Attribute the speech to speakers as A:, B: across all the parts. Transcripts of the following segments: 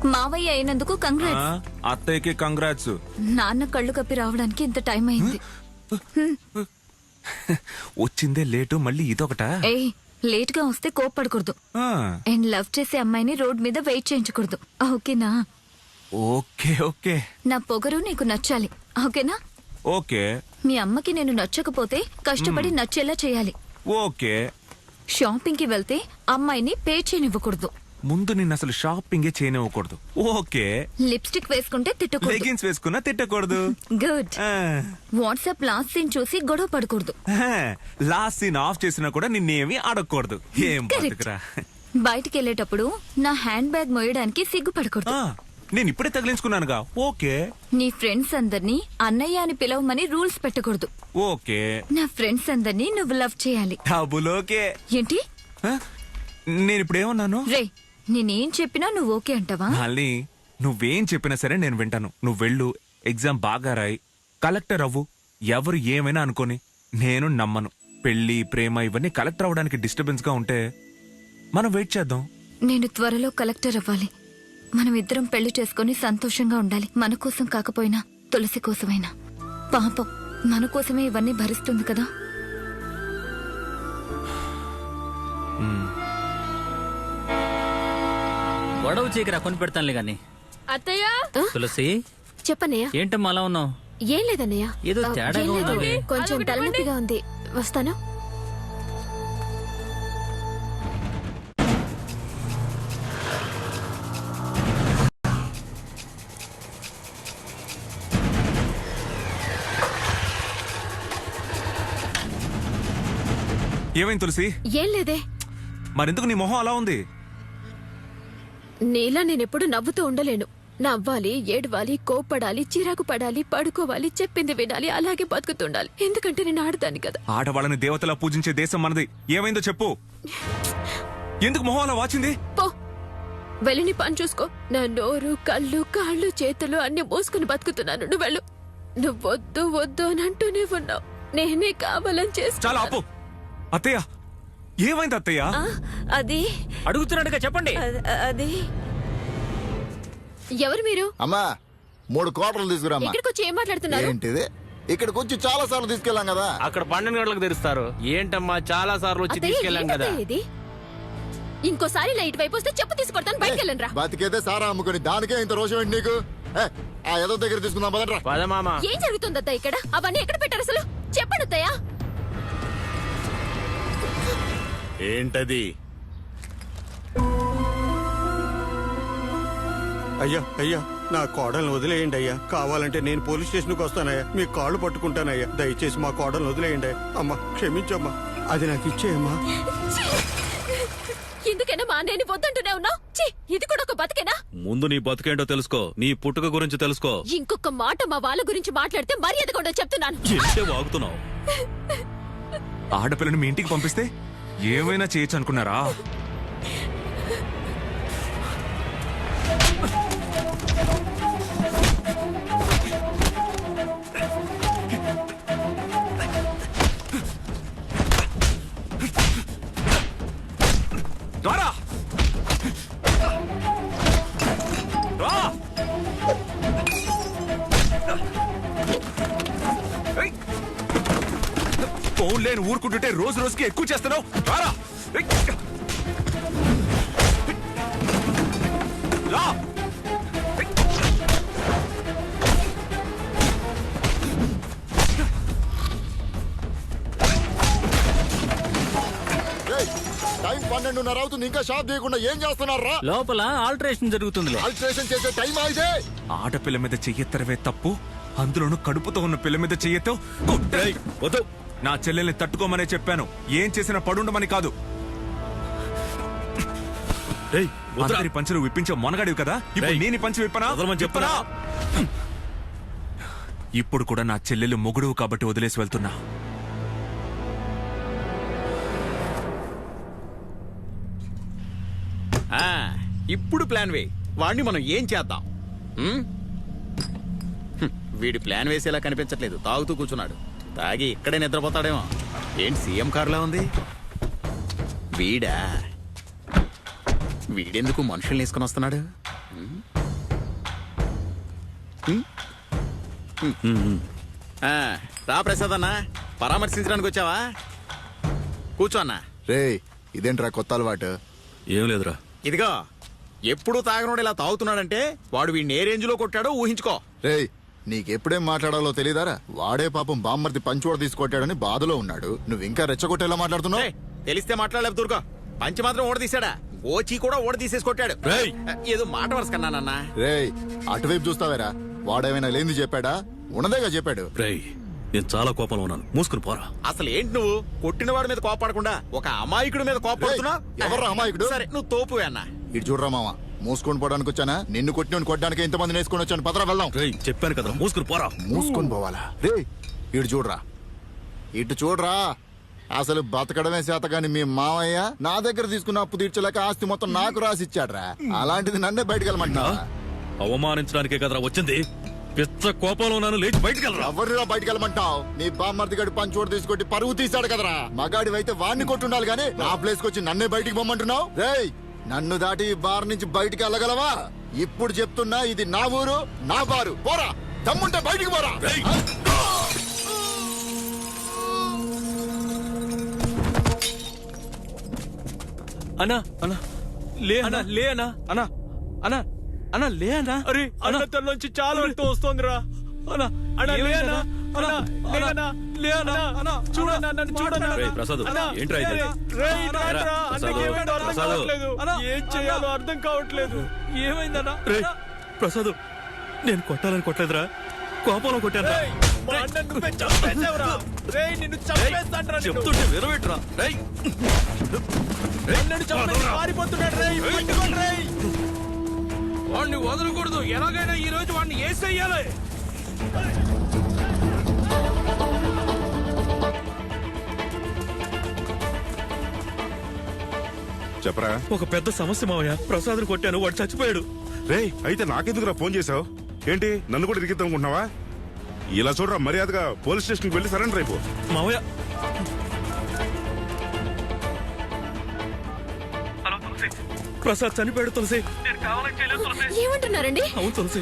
A: మావయ్య అయినందుకు కంగ్రాట్స్.
B: అత్తయ్యకి కంగ్రాట్స్.
A: నాన్న కళ్ళు కప్పి రావడానికి ఇంత టైం అయింది.
B: వచ్చిందే లేటు, మళ్ళీ ఇదొకట.
A: ఏయ్, లేట్ గా వస్తే కోప్పడకూడదు. అండ్ లవ్ చేసే అమ్మాయిని రోడ్ మీద వెయిట్ చేయించకూడదు. ఓకేనా?
B: Okay okay.
A: నా పొగరు నీకు నచ్చాలి. ఓకేనా?
B: ఓకే.
A: మీ అమ్మకి నేను నచ్చకపోతే కష్టపడి నచ్చేలా చేయాలి.
B: ఓకే.
A: షాపింగ్ కి వెళ్తే అమ్మాయిని పే చేయనివ్వకూడదు.
B: ముందు నిన్ను అసలు షాపింగే చేయనివ్వకూడదు. ఓకే.
A: లిప్స్టిక్ వేసుకుంటే తిట్టకూడదు.
B: లెగిన్స్ వేసుకున్నా తిట్టకూడదు.
A: గుడ్. వాట్సాప్ లాస్ట్ సీన్ చూసి గొడవ పడకూడదు.
B: లాస్ట్ సీన్ ఆఫ్ చేసినా కూడా నిన్నేమి అడగకూడదు. ఏం బతుకురా.
A: బయటికి వెళ్ళేటప్పుడు నా హ్యాండ్ బ్యాగ్ మోయడానికి సిగ్గుపడకూడదు.
B: నేను ఇప్పుడే తగిలించుకున్నానుగా. ఓకే.
A: నీ ఫ్రెండ్స్ అందరినీ అన్నయ్య అని పిలవమని రూల్స్ పెట్టకూడదు.
B: ఓకే.
A: నా ఫ్రెండ్స్ అందరినీ నువ్వు లవ్ చేయాలి.
B: Double okay.
A: ఏంటి?
B: నేను ఇప్పుడు ఏమన్నాను?
A: రే, నేనేం చెప్పినా నువ్వు ఓకే అంటావా?
B: మళ్ళీ నువ్వేం చెప్పినా సరే నేను వింటాను. నువ్వు వెళ్ళు, ఎగ్జామ్ బాగా రాయి, కలెక్టర్ అవ్వు. ఎవరు ఏమైనా అనుకోని నేను నమ్మను. పెళ్లి, ప్రేమ ఇవన్నీ కలెక్టర్ అవ్వడానికి డిస్టర్బెన్స్ గా ఉంటే మనం వెయిట్ చేద్దాం.
A: నేను త్వరలో కలెక్టర్ అవ్వాలి. మనం ఇద్దరం పెళ్లి చేసుకుని సంతోషంగా ఉండాలి. మన కోసం కాకపోయినా తులసి కోసమైనా. పాపం మన కోసమే ఇవన్నీ భరిస్తుంది కదా.
C: గొడవ చీకరా కొని పెడతానులే గాని.
D: అత్తయ్య.
C: తులసి,
D: చెప్పన్నయ్య.
C: ఏంటమ్మా అలా ఉన్నావు?
D: ఏం లేదన్నయ్య,
C: ఏదో తేడాగా ఉంది.
D: కొంచెం తలనొప్పిగా ఉంది. వస్తాను.
B: ఏమైంది తులసి?
D: ఏం లేదే.
B: మరెందుకు నీ మొహం అలా ఉంది?
D: నీలా నేనెప్పుడు నవ్వుతూ ఉండలేను. నవ్వాలి, ఏడవాలి, కోప్పడాలి, చిరాకు పడాలి, పడుకోవాలి, చెప్పింది వినాలి, అలాగే బతుకుతుండాలి. ఎందుకంటే నేను ఆడతాను కదా.
B: ఆడవాళ్ళని దేవతలా పూజించే దేశం మనది. ఏమైందో చెప్పు. ఎందుకు మొహం అలా వాచింది?
D: పో, వెళ్ళి నీ పని చూసుకో. నా నోరు, కళ్ళు, కాళ్ళు, చేతులు అన్ని మూసుకుని బతుకుతున్నాను. నువ్వు వెళ్ళు. నువ్వు వద్దు వద్దు అని అంటూనే ఉన్నావు. నేనే కావాలని చేస్తా.
B: చాలా ఆపు. అత్తయ్య, ఏమైంది అత్తయ్య?
D: అది
C: అడుగుతున్నాడుగా, చెప్పండి.
D: అది ఎవరు మీరు?
E: అమ్మా, 3 క్వార్టర్లు తీసుకురామ్మా.
D: ఇక్కడికి వచ్చి ఏం మాట్లాడుతున్నారు?
E: ఏంటిది? ఇక్కడికి వచ్చి చాలా సార్లు తీసుకెళ్ళాం కదా.
F: అక్కడ 12 గంటలకు తెరుస్తారు. ఏంటమ్మా, చాలా సార్లు వచ్చి తీసుకెళ్ళాం కదా.
D: ఇది ఇంకోసారి ఇలా ఇటువైపు వస్తే చెప్పు తీసుకొడతాను. బయటకు వెళ్ళండి రా.
E: బతికేదే సారా అమ్ముకుని దానికే ఇంత రోషం ఏంటి నీకు? ఆ ఏదో దగ్గర తీసుకుందాం పదరా.
F: పదమామా.
D: ఏం జరుగుతుందత్తా ఇక్కడ? అవన్నీ ఎక్కడ పెట్టారు అసలు? చెప్పండి అత్తయ్య.
F: ఏంటది?
G: అయ్యా అయ్యా, నా కోడల్ని వదిలేయండి అయ్యా. కావాలంటే నేను పోలీస్ స్టేషన్కి వస్తానయ్యా. మీ కాళ్ళు పట్టుకుంటానయ్యా. దయచేసి మా కోడల్ని వదిలేయండి. అమ్మా, క్షమించమ్మా. అది నాకు ఇచ్చేయమ్మా.
D: ఎందుకైనా మా అన్నయ్యని వద్దంటూనే ఉన్నావు? ఇది కూడా ఒక బతికేనా?
H: ముందు నీ బతుకేంటో తెలుసుకో. నీ పుట్టుక గురించి తెలుసుకో.
D: ఇంకొక మాట మా వాళ్ళ గురించి మాట్లాడితే మర్యాదగా ఉండదు చెప్తున్నాను.
H: ఏంటే వాగుతున్నావు?
B: ఆడపిల్లని మీ ఇంటికి పంపిస్తే ఏమైనా చేయొచ్చు అనుకున్నారా? రారా! రా! ఫోన్ లేని ఊరుకుంటుంటే రోజు రోజుకి ఎక్కువ చేస్తున్నావు. రారా! రా!
E: టైం 12:30 అవుతుంది, ఇంకా షాప్ చేయకుండా ఏం చేస్తున్నారా?
C: లోపల ఆల్టరేషన్ జరుగుతుంది.
E: ఆల్టరేషన్ చేసే టైం అయితే.
B: ఆడపిల్ల మీద చెయ్యెత్తరవే తప్పు, అందులోనూ కడుపుతో ఉన్న పిల్ల మీద చెయ్యెత్తో. వద్దు, నా చెల్లెల్ని తట్టుకోమనే చెప్పాను. ఏం చేసినా పడుండమని కాదు. అందరి పంచులు విప్పించే మొనగాడివి కదా, ఇప్పుడు నేను పంచి విప్పనా? చెప్పనా? ఇప్పుడు కూడా నా చెల్లెలు మొగుడువు కాబట్టి వదిలేసి వెళ్తున్నా.
F: ఇప్పుడు ప్లాన్ వే. వాడిని మనం ఏం చేద్దాం? వీడి ప్లాన్ వేసేలా కనిపించట్లేదు. తాగుతూ కూర్చున్నాడు. తాగి ఇక్కడే నిద్రపోతాడేమో. ఏంటి సీఎం కారులా ఉంది? వీడెందుకు మనుషుల్ని వేసుకుని వస్తున్నాడు? రా ప్రసాద్ అన్న పరామర్శించడానికి వచ్చావా కూర్చో అన్న.
E: రేయ్ ఇదేంట్రా కొత్త అలవాటు?
H: ఏం లేదురా.
F: ఇదిగో ఎప్పుడు తాగనోడు ఇలా తాగుతున్నాడంటే వాడు వీడిని ఏ రేంజ్ లో కొట్టాడో ఊహించుకో.
E: రేయ్ నీకెప్పుడేం మాట్లాడాలో తెలియదారా? వాడే పాపం బామ్మర్ది పంచోడ తీసుకొట్టాడని బాధలో ఉన్నాడు, నువ్వు ఇంకా రెచ్చగొట్టేలా మాట్లాడుతున్నావు.
F: ఏయ్, తెలిస్తే మాట్లాడలేదు దూరుకో. పంచి మాత్రం ఓడ తీసాడా, ఓచి కూడా ఓడ తీసేసి కొట్టాడు.
H: రేయ్!
F: ఏదో మాట వరుసకన్నానన్నా.
E: రేయ్ అటువైపు చూస్తావేరా? వాడేమైనా లేనిది చెప్పాడా? ఉన్నదేగా చెప్పాడు.
H: రేయ్ నేను చాలా కోపంలో ఉన్నాను, మూసుకుని పోరా.
F: అసలు ఏంటి నువ్వు కొట్టిన వాడి మీద కోపడకుండా ఒక అమాయకుడి మీద కోపడుతున్నా?
E: ఏయ్, ఎవర్రా అమాయకుడు?
F: సరే నువ్వు తోపువే అన్న.
E: ఇటు చూడరా మామ, మూసుకొని పోవడానికి వచ్చానా? నిన్ను కొట్టిన కొట్టడానికి ఇంతమంది నేసుకొని వచ్చాను. పదరా వెళ్దాం.
H: రేయ్ చెప్పాను కదా, మూసుకుని పోరా.
E: మూసుకొని పోవాలా? రే ఇటు చూడరా, ఇటు చూడరా. అసలు బతకడమే చేత గాని మీ మామయ్య నా దగ్గర తీసుకున్న అప్పు తీర్చలేక ఆస్తి మొత్తం నాకు రాసిచ్చాడ్రా. అలాంటిది నన్నే బయటకు వెళ్ళమంటా?
H: అవమానించడానికే కదరా వచ్చింది. పెద్ద కోపంలో ఉన్నాను, లేచి బయటికి వెళ్ళరా.
E: ఎవరిరా బయటకు వెళ్ళమంటావు? నీ బామ్మర్ది గడి పంచోడు తీసుకొట్టి పరువు తీశాడు కదరా. మగాడి అయితే వాడిని కొట్టుండాలి గానీ నా ప్లేస్ కి వచ్చి నన్నే బయటికి పొమ్మంటున్నావు? రేయ్ నన్ను దాటి ఈ బార్ నుంచి బయటికి వెళ్ళగలవా? ఇప్పుడు చెప్తున్నా, ఇది నా ఊరు, నా బారు. పోరా, దమ్ముంటే బయటికి పోరా.
H: అన్నా అన్నా లే అన్నా, లే అన్నా. అన్నా అన్నా అన్నా లే అన్నా. అరే అన్న తనలోంచి చాలా రక్తం వస్తోందిరా. అన్నా అన్నా లే అన్నా. అన్నా లేదన్నా, లే అన్నా. అన్నా చూడన్నా, నన్ను చూడన్నా. రేయ్ ప్రసాద్ ఏంట్రా ఇది? రేయ్ రారా, అన్నకి ఏమైందో అర్థం కావట్లేదు. ఏం చేయాలో అర్థం కావట్లేదు. ఏమైందన్నా? రేయ్ ప్రసాద్ నేను కొట్టాలని కొట్టలేదురా, కోపంలో కొట్టాను. చెప్తుంటే విరవేట్రా. రేయ్ వాడిని వదలకూడదు, ఎలాగైనా ఈ రోజు వాడిని వేసేయాలి.
I: చెప్పరా.
H: ఒక పెద్ద సమస్య మావయ్య, ప్రసాద్ కొట్టాను, వాడు చచ్చిపోయాడు.
I: రేయ్ అయితే నాకెందుకురా ఫోన్ చేసావు? ఏంటి నన్ను కూడా ఇరికిద్దాం అనుకుంటున్నావా? ఇలా చూడరా, మర్యాదగా పోలీస్ స్టేషన్కి వెళ్ళి సరెండర్ అయిపో.
H: మావయ్య ప్రసాద్ చనిపోయాడు తులసి.
D: ఏమంటున్నారండి?
H: అవును తులసి.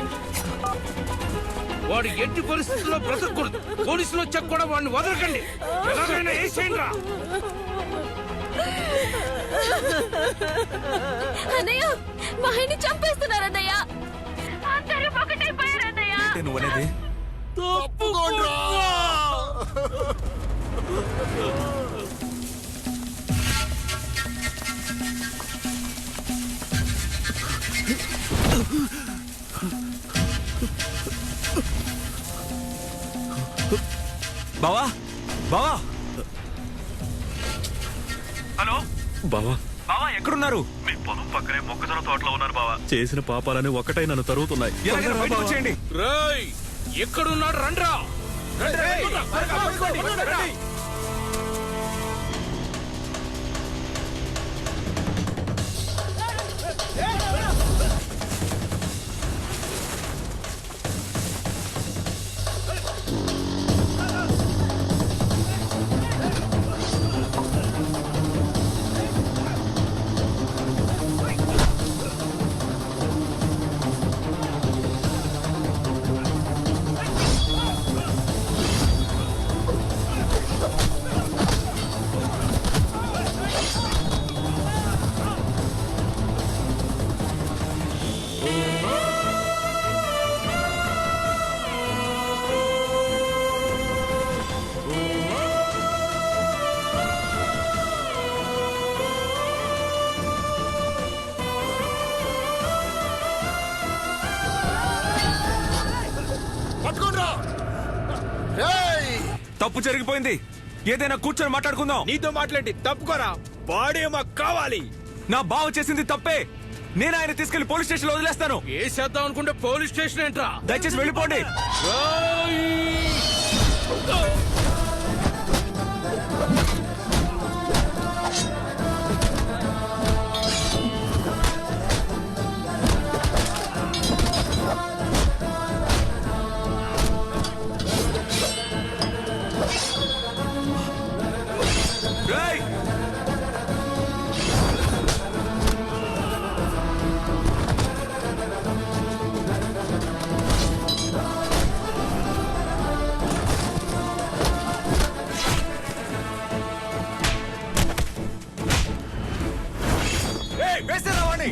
J: వాడు ఎట్టి పరిస్థితుల్లో బ్రతకూడదు. పోలీసులు వచ్చాక కూడా వాడిని వదలకండి, ఎలాగైనా వేసేయండి రా.
D: అన్నయ్య మా ఆయన్ని చంపేస్తున్నారన్నయ్య. అందరూ ఒకటైపోయారన్నయ్య.
B: నువ్వనేది బావా, బావా.
H: హలో బావా.
B: బావా ఎక్కడున్నారు?
H: మీ పొలం పక్కనే మొక్కజొన్న తోటలో ఉన్నారు బావా. చేసిన పాపాలని ఒక్కటై నన్ను తరుగుతున్నాయి.
B: ఎలాగైనా బయటకు వచ్చేయండి.
J: రేయ్ ఎక్కడున్నాడు రండ్రా.
B: తప్పు జరిగిపోయింది, ఏదైనా కూర్చొని మాట్లాడుకుందాం.
J: నీతో మాట్లాడి తప్పుకోరా, బాడీ మాకు కావాలి.
B: నా బావ చేసింది తప్పే, నేను ఆయన తీసుకెళ్లి పోలీస్ స్టేషన్ లో వదిలేస్తాను.
J: వేసేద్దాం అనుకుంటే పోలీస్ స్టేషన్ ఏంట్రా?
B: దయచేసి వెళ్ళిపోండి. వేసేరా వాణ్ణి.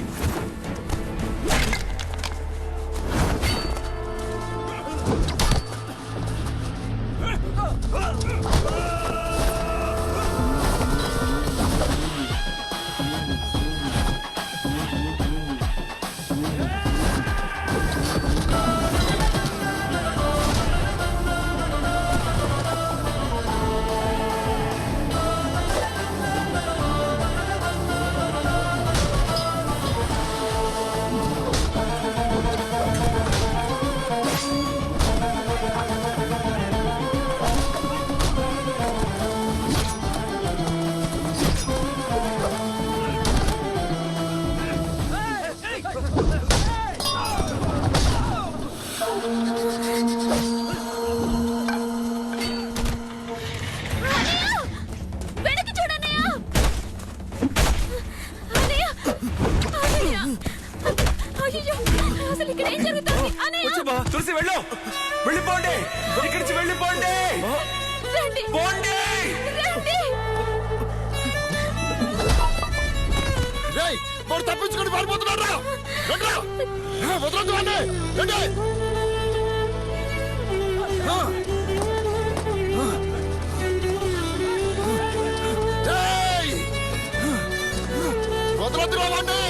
D: వెనక్కి చూడన్నయ్య. అన్నయ్య, అన్నయ్య. అయ్యయ్యో, అసలు ఇక్కడ ఏం జరుగుతుంది? అన్నయ్య,
B: తులసి వెళ్ళు, వెళ్ళిపోండి, ఇక్కడి నుంచి వెళ్ళిపోండి.
D: రండి,
B: పోండి.
D: రండి.
E: రేయ్ వాడు తప్పించుకొని పారిపోతున్నాడు రా. రండ్రా. వదలొద్దు వాడిని. రండి. రేయ్! వదలొద్దురా వాడిని.